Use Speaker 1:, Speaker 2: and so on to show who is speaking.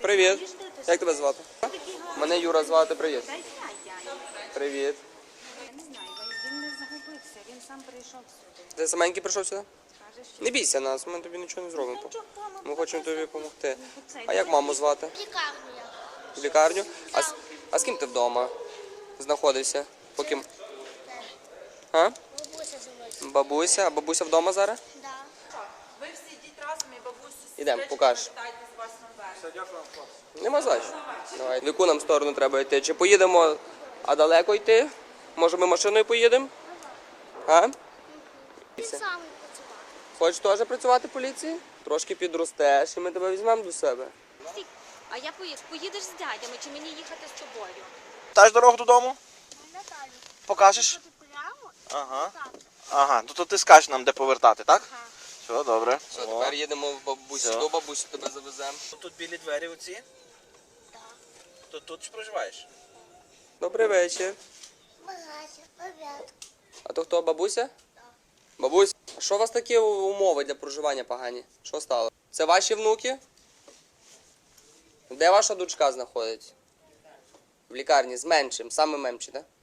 Speaker 1: Привіт. Як тебе звати? Мене Юра звати. Привіт. Привіт.
Speaker 2: Я не знаю, він не загубився, він сам прийшов сюди.
Speaker 1: Ти саменький прийшов сюди?
Speaker 2: Каже, що
Speaker 1: Не бійся нас, ми тобі нічого не зробимо. Ми хочемо тобі допомогти.
Speaker 2: цей
Speaker 1: А як маму звати?
Speaker 3: Лікарню я.
Speaker 1: В лікарню? А з ким ти вдома знаходишся? Поки... А?
Speaker 3: Бабуся живуть.
Speaker 1: Бабуся? А бабуся вдома зараз?
Speaker 3: Да.
Speaker 4: Ви всі йдіть разом і бабусю
Speaker 1: Ідемо, покажеш.
Speaker 4: питайте з вас наверх.
Speaker 1: Нема зач. Давай. В яку нам сторону треба йти? Чи поїдемо, а далеко йти? Може ми машиною поїдемо? А?
Speaker 3: Він сам працював.
Speaker 1: Хочеш теж працювати в поліції? Трошки підростеш і ми тебе візьмемо до себе.
Speaker 2: А я поїдеш з дядями, чи мені їхати з тобою?
Speaker 5: Знаєш дорогу додому?
Speaker 3: Наталю.
Speaker 5: Покажеш?
Speaker 3: Ти прямо?
Speaker 5: Ага.
Speaker 3: Так.
Speaker 5: Ага, ну то ти скажеш нам, де повертати, так?
Speaker 3: Ага.
Speaker 5: Все, добре.
Speaker 1: Все, тепер їдемо в бабусі.
Speaker 5: Все.
Speaker 1: До бабусі тебе завеземо.
Speaker 5: Тут білі двері оці?
Speaker 3: Так.
Speaker 5: То тут ж проживаєш?
Speaker 1: Добрий вечір.
Speaker 3: Багаття, обід.
Speaker 1: А то хто, бабуся? Бабусь, а що у вас такі умови для проживання погані? Що стало? Це ваші внуки? Де ваша дочка знаходиться? В лікарні з меншим, саме менший, так?